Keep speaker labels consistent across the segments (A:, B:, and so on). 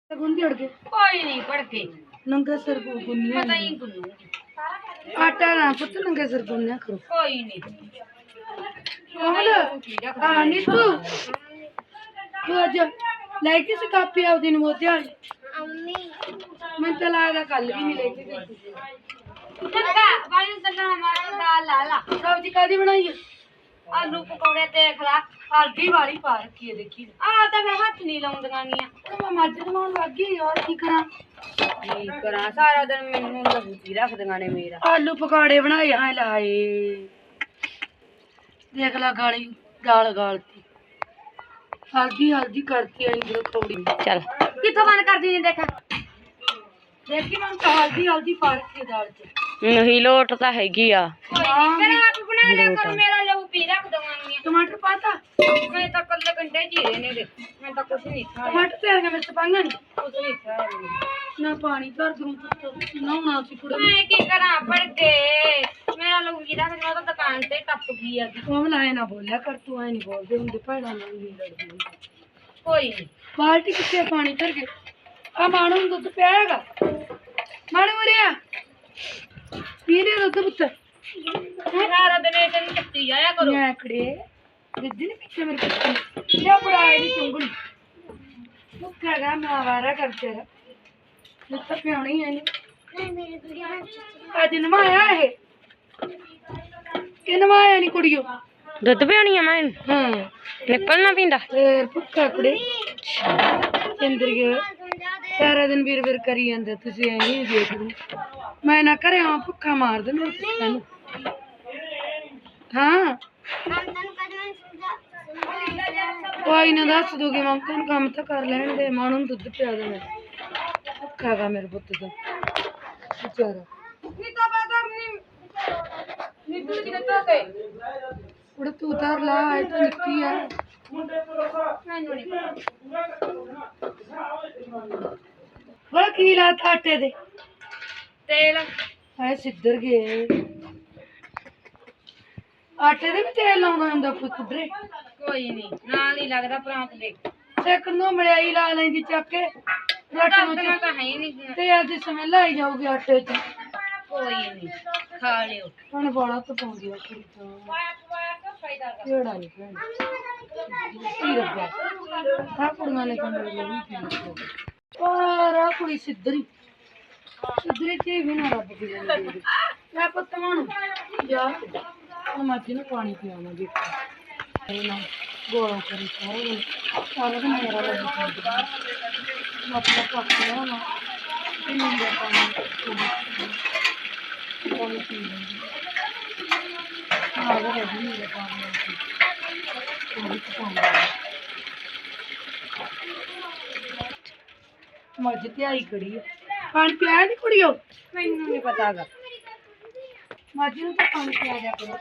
A: गुंदी उड़ के
B: कोई नहीं पड़ के
A: नंगे सिर को गुन्निया
B: पता ही गुन्नूंगी
A: आटा ना पुੱਤ नंगे सिर गुन्निया करो
B: कोई नहीं
A: हाँ नीतू तू अज लेके सी कापी आ दिन मोती वाली मैं तो लगता कल भी नहीं लेके गई
B: चंगा वाली सन्ना हमारा दाल लाला
A: सब्जी कादी बनाई है
B: आलू पकौड़े देख ला
A: हल्दी वाली पा रखी है देखी
B: आ तो मैं हाथ नहीं लाऊंगा नहीं
A: मैं मज बनाने लग गई और की करा
B: करा सारा दिन मैनू लगती रख दगाने मेरा
A: आलू पकौड़े बनाए हाँ लाए देख ला गाली दाल गालती हल्दी हल्दी करती है इनको कौड़ी
B: चल किथों बंद कर दी देखा
A: देखी मैं तो हल्दी हल्दी पा रखी है दाल च
B: नहीं लोट तो हैगी आ फिर आप बना लिया करो मेरा लहू पी रख दवांगी
A: टमाटर पाता
B: मैं तो कल घंटे जीरे ने दे मैं तो कुछ नहीं खाया
A: टमाटर तेरे में मिर्च पांगा नहीं
B: कुछ नहीं खाया
A: ना पानी भर दूं ना होना सी कुड़ा
B: मैं की करा पड़ के मेरा लहू पी रख मैं तो दुकान से टप गई आ
A: वो लाए ना बोलिया कर तू ऐ नहीं बोलदे हुंदे भैड़ा नाल नहीं लड़दी
B: कोई नहीं
A: बाल्टी किथे पानी भर के आ माणू ਨੂੰ ਦੁੱਧ ਪਿਆ ਹੈਗਾ ਮਾਣੂ ਮਰਿਆ ਪੀ ਲੈ ਦੁੱਧ ਪੁੱਤ
B: सारा दिन ऐसे नहीं चक्की जाया करो
A: ਮੈਂ ਖੜੇ ਦਿੱਦੀ ਨੇ ਪਿੱਛੇ ਮੇਰੇ ਪਿੱਛੇ ਲਿਆ ਬੜਾਏ ਦੀ ਚੁੰਗਲੀ ਮੁੱਕਾ ਗਾ ਮੈਂ ਆਵਾਰਾ ਕਰ ਤੇਰਾ ਮੁੱਕਾ ਪਿਆਉਣੀ ਹੈ ਨਹੀਂ ਅੱਜ ਨਵਾਇਆ ਇਹ ਕਿ ਨਵਾਇਆ ਨਹੀਂ ਕੁੜੀਓ
B: ਦੁੱਧ ਪਿਆਉਣੀ ਆ ਮੈਂ
A: ਹਾਂ
B: ਨਿਕਲਣਾ ਪੀਂਦਾ
A: ਫੇਰ ਭੁੱਖਾ ਕੁੜੇ ਚੰਦਰ ਗਿਆ ਸਾਰਾ ਦਿਨ ਵੀਰ ਵੀਰ ਕਰੀ ਜਾਂਦੇ ਤੁਸੀਂ ਐਂ ਨਹੀਂ ਦੇਖਦੇ ਮੈਂ ਨਾ ਕਰੇ ਹਾਂ ਭੁੱਖਾ ਮਾਰ ਦੇ ਮੇਰੇ ਤੈਨੂੰ ਹਾਂ ਕੋਈ ਨਾ ਦੱਸ ਦੂਗੀ ਮੈਂ ਤੈਨੂੰ ਕੰਮ ਤਾਂ ਕਰ ਲੈਣ ਦੇ ਮਾਂ ਨੂੰ ਦੁੱਧ ਪਿਆ ਦੇ ਮੈਂ ਭੁੱਖਾ ਗਾ ਮੇਰੇ ਪੁੱਤ ਦਾ ਵਿਚਾਰਾ
B: ਨੀਤਾ ਬਾਦਰ ਨੀਤੂ ਜੀ ਨੇ ਤੋਤੇ
A: ਉੜ ਤੂੰ ਉਤਾਰ ਲਾ ਇਹ ਤਾਂ ਨਿੱਕੀ ਆ
B: ਮੈਨੂੰ ਨਹੀਂ
A: ਬੜਾ ਕੀ ਲਾਤਾ ਆਟੇ ਦੇ
B: ਤੇਲ
A: ਹਾਏ ਸਿੱਧਰ ਗਏ ਆਟੇ ਦੇ ਵੀ ਤੇਲ ਲਾਉਂਦਾ ਹੁੰਦਾ ਕੋਈ ਕੁਦਰੇ
B: ਕੋਈ ਨਹੀਂ ਨਾਲ ਹੀ ਲੱਗਦਾ ਪ੍ਰਾਂਤ ਦੇ
A: ਸੇਕਣ ਨੂੰ ਮੜਿਆਈ ਲਾ ਲੈਂਦੀ ਚੱਕ ਕੇ
B: ਦੱਸਣਾ
A: ਰੋਟੀਆਂ
B: ਤਾਂ ਹੈ ਹੀ ਨਹੀਂ
A: ਤੇ ਅੱਜ ਸਮੈਲ ਆਈ ਜਾਊਗੀ ਆਟੇ 'ਚ
B: ਕੋਈ ਨਹੀਂ ਖਾ ਲਿਓ
A: ਹੁਣ ਬੜਾ ਤਾਂ ਪਾਉਂਦੀ ਆ ਕੁੜੀ ਤਾਂ ਕਿਹੜਾ ਨਹੀਂ ਭੈਣ ਕੀ ਰੱਬਾ ਆ ਕੁੜੀਆਂ ਨੇ ਕੰਨ ਲਈ ਪਰ ਆ ਕੁੜੀ ਸਿੱਧਰੀ ਤੇ ਵੀ ਨਾ ਰੱਬ ਦੀ ਜਾਂਦੀ ਮੈਂ ਪੁੱਤ ਮਾਣੂ ਜਾ ਹੁਣ ਮੱਝ ਨੂੰ ਪਾਣੀ ਪਿਆਵਾਂ ਜੀ ਨਾ ਗੋਲਾ ਕਰੀ ਸਾਰਾ ਦਿਨ ਮੇਰਾ ਲੱਗ ਜਾਂਦਾ ਮਤਲਬ ਪੱਕਾ ਨਾ ਕਿੰਨੀ ਦਾ ਪਾਣੀ ਪੀ ਲੈਂਦੀ ਆਹ ਇਹ ਵੀ ਮੇਰਾ ਪਾਣੀ ਮੱਝ ਤੇ ਆਈ ਖੜੀ ਹੈ ਪਾਣੀ ਪਿਆ ਨਹੀਂ ਕੁੜੀਓ
B: ਮੈਨੂੰ ਨਹੀਂ ਪਤਾਗਾ
A: ਮੱਝ ਨੂੰ ਤਾਂ ਪਾਣੀ ਪਿਆ ਜਾ ਕਰੋ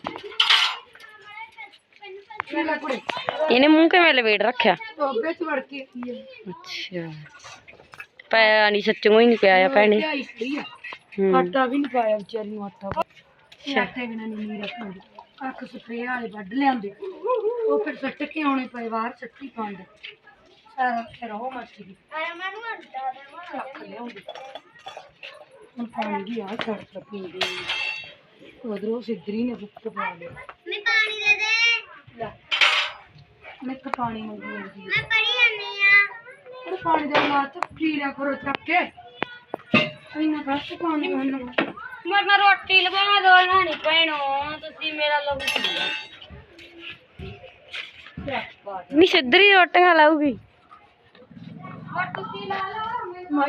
A: ਲੈ ਕੁੜੀ
B: ਇਹਨੇ ਮੂੰਹ ਕਿਵੇਂ ਲਵੇੜ ਰੱਖਿਆ
A: ਟੋਬੇ ਚ ਵੜ ਕੇ ਕੀ ਹੈ
B: ਅੱਛਾ ਪਾਇਆ ਨਹੀਂ ਸੱਚੋਂ ਹੀ ਨਹੀਂ ਪਿਆਇਆ ਭੈਣੇ
A: ਆਈ ਖੜੀ ਆ ਆਟਾ ਵੀ ਨਹੀਂ ਪਾਇਆ ਵਿਚਾਰੀ ਨੂੰ ਆਟਾ ਆਟੇ ਬਿਨਾਂ ਨਹੀਂ ਰੱਖਦੀ ਅੱਖ ਸਪਰੇ ਵਾਲੇ ਵੱਢ ਲਿਆਂਦੇ ਉਹ ਫਿਰ ਸੱਟ ਕੇ ਆਉਣੇ ਪਏ ਬਾਹਰ ਸੱਟੀ ਪੰਡ ਸਾਰਾ ਫਿਰ ਉਹ ਮੱਛੀ ਦੀ ਚੱਕ ਲਿਆਉਂਦੀ ਹੁਣ ਪਾਣੀ ਦੀ ਆ ਛੱਡ ਪੀਂਦੀ ਉਧਰੋਂ ਸਿੱਧਰੀ ਨੇ ਬੁੱਕ ਪਾ ਲਿਆ
C: ਮੈਂ ਪਾਣੀ ਦੇ ਦੇ
A: ਲੈ ਮੈਂ ਤਾਂ ਪਾਣੀ ਮੰਗੀ ਜਾਂਦੀ
C: ਮੈਂ ਪੜੀ ਜਾਂਦੀ ਆ
A: ਉਹ ਪਾਣੀ ਦਾ ਮਾਤ ਪੀ ਲਿਆ ਕਰੋ ਚੱਕ ਕੇ ਇੰਨਾ ਘੱਟ ਪਾਣੀ ਪੀਣਾ
B: ਮਰਨਾ ਰੋਟੀ ਲਵਾ ਦੋ ਨਾ ਨਹੀਂ ਪੈਣੋ ਤੁਸੀਂ ਮੇਰਾ ਲਹੂ ਪੀ ਨਹੀਂ ਸਿੱਧਰੀ ਰੋਟੀਆਂ ਲਾਊਗੀ ਹੋਰ ਤੁਸੀਂ ਲਾ ਲਓ
A: ਮੈਂ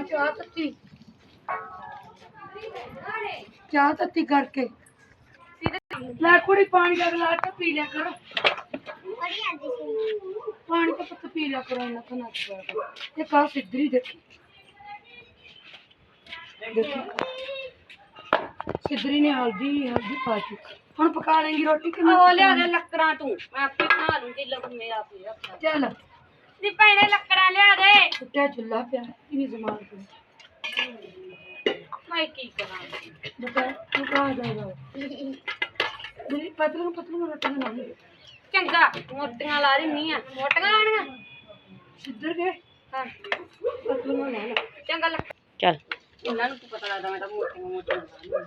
A: ਚਾਹ ਤੱਤੀ ਕਰਕੇ ਲੈ ਕੁੜੀ ਪਾਣੀ ਦਾ ਗਲਾਸ ਤਾਂ ਪੀ ਲਿਆ ਕਰੋ
C: ਪੜੀ ਜਾਂਦੀ ਸੀ
A: ਪਾਣੀ ਤਾਂ ਪੁੱਤ ਪੀ ਲਿਆ ਕਰੋ ਇਹਨਾਂ ਤੋਂ ਨਾ ਪਿਆ ਕਰੋ ਇਹ ਕਾ ਸਿੱਧਰੀ ਦੇਖੀ ਸਿੱਧਰੀ ਨੇ ਹਲਦੀ ਪਾ ਚੁੱਕੀ ਹੁਣ ਪਕਾ ਲੈਂਗੀ ਰੋਟੀ ਕਿ
B: ਉਹ ਲਿਆ ਦੇ ਲੱਕੜਾਂ ਤੂੰ ਮੈਂ ਆਪੇ ਬਣਾ ਲੂੰਗੀ ਲਹੂ ਮੇਰਾ ਪੀ ਰੱਖਾ
A: ਚੱਲ
B: ਨੀ ਭੈਣੇ ਲੱਕੜਾਂ ਲਿਆ ਦੇ
A: ਉੱਟਿਆ ਚੁੱਲਾ ਪਿਆ ਇਨੀ ਜ਼ਮਾਨ ਤੋਂ
B: ਮੈਂ ਕੀ ਕਰਾਂ
A: ਬਤਾ ਤੂੰ ਕਾ ਜਾਏਗਾ ਮੇਰੀ ਪਤਲੂ ਰੋਟੀ ਬਣਾਉਣੀ
B: ਚੰਗਾ ਮੋਟੀਆਂ ਲਾ ਰਹੀ ਨਹੀਂ ਆ ਮੋਟੀਆਂ ਲਾਣੀਆਂ
A: ਸਿੱਧਰ ਗਏ
B: ਹਾਂ
A: ਪਤਲੀਆਂ ਲੈ ਲਾ।
B: ਚੰਗਾ ਲੈ
A: ਚੱਲ
B: ਇਹਨਾਂ ਨੂੰ ਕੀ ਪਤਾ ਲੱਗਦਾ ਮੈਂ ਤਾਂ ਮੋਟੀਆਂ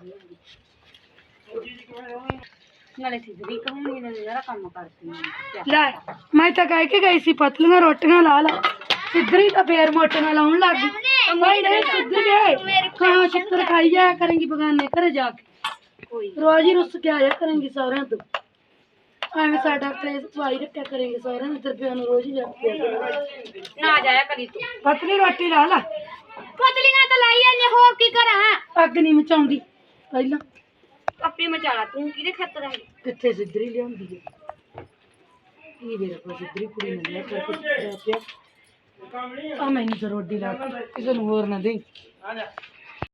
B: ਨਾਲੇ ਸਿੱਧੀ ਕਹੂੰਗੀ ਨਾਲੇ ਜਰਾ ਕੰਮ ਕਰਦੀ ਹਾਂ
A: ਲੈ ਮੈਂ ਤਾਂ ਕਹਿ ਕੇ ਗਈ ਸੀ ਪਤਲੀਆਂ ਰੋਟੀਆਂ ਲਾ ਲਾ ਸਿੱਧਰੀ ਤਾਂ ਫੇਰ ਮੋਟੀਆਂ ਲਾਉਣ ਲੱਗ ਗਈ ਭਾਈ ਨਹੀਂ ਸਿੱਧਰ ਗਏ ਹਾਂ ਸ਼ੱਕਰ ਖਾਈ ਜਾਇਆ ਕਰੇਂਗੀ ਬਗਾਨੇ ਘਰੇ ਜਾ ਕੇ
B: ਕੋਈ
A: ਰੋਜ਼ ਹੀ ਰੁੱਸ ਕੇ ਆਇਆ ਕਰੇਂਗੀ ਸਹੁਰਿਆਂ ਤੋਂ ਐਵੇਂ ਸਾਡਾ ਕਲੇਸ਼ ਪਵਾਈ ਰੱਖਿਆ ਕਰੇਂਗੇ ਸਹੁਰਿਆਂ ਦੇ ਤਰਫਿਆਂ ਨੂੰ ਰੋਜ਼ ਹੀ ਰੱਖਿਆ ਕਰੇਂਗੇ
B: ਨਾ ਜਾਇਆ ਕਰੀ ਤੂੰ
A: ਪਤਲੀ ਰੋਟੀ ਲਾ ਲਾ
B: ਪਤਲੀਆਂ ਤਾਂ ਲਾਈ ਜਾਂਦੇ ਹੋਰ ਕੀ ਕਰਾਂ
A: ਅੱਗ ਨਹੀਂ ਮਚਾਉਂਦੀ ਪਹਿਲਾਂ
B: ਆਪੇ ਮਚਾਲਾ ਤੂੰ ਕਿਹਦੇ ਖਾਤਰ ਆਈ
A: ਕਿੱਥੇ ਸਿੱਧਰੀ ਲਿਆਉਂਦੀ ਹੈ ਇਹ ਮੇਰੇ ਕੋਲ ਸਿੱਧਰੀ ਕੁੜੀ ਨਹੀਂ ਹੈ ਪਰ ਕੁਝ ਪਿਆ ਆ ਮੈਂ ਨਹੀਂ ਰੋਟੀ ਲਾ ਕੇ ਕਿਸੇ ਨੂੰ ਹੋਰ ਨਾ ਦੇ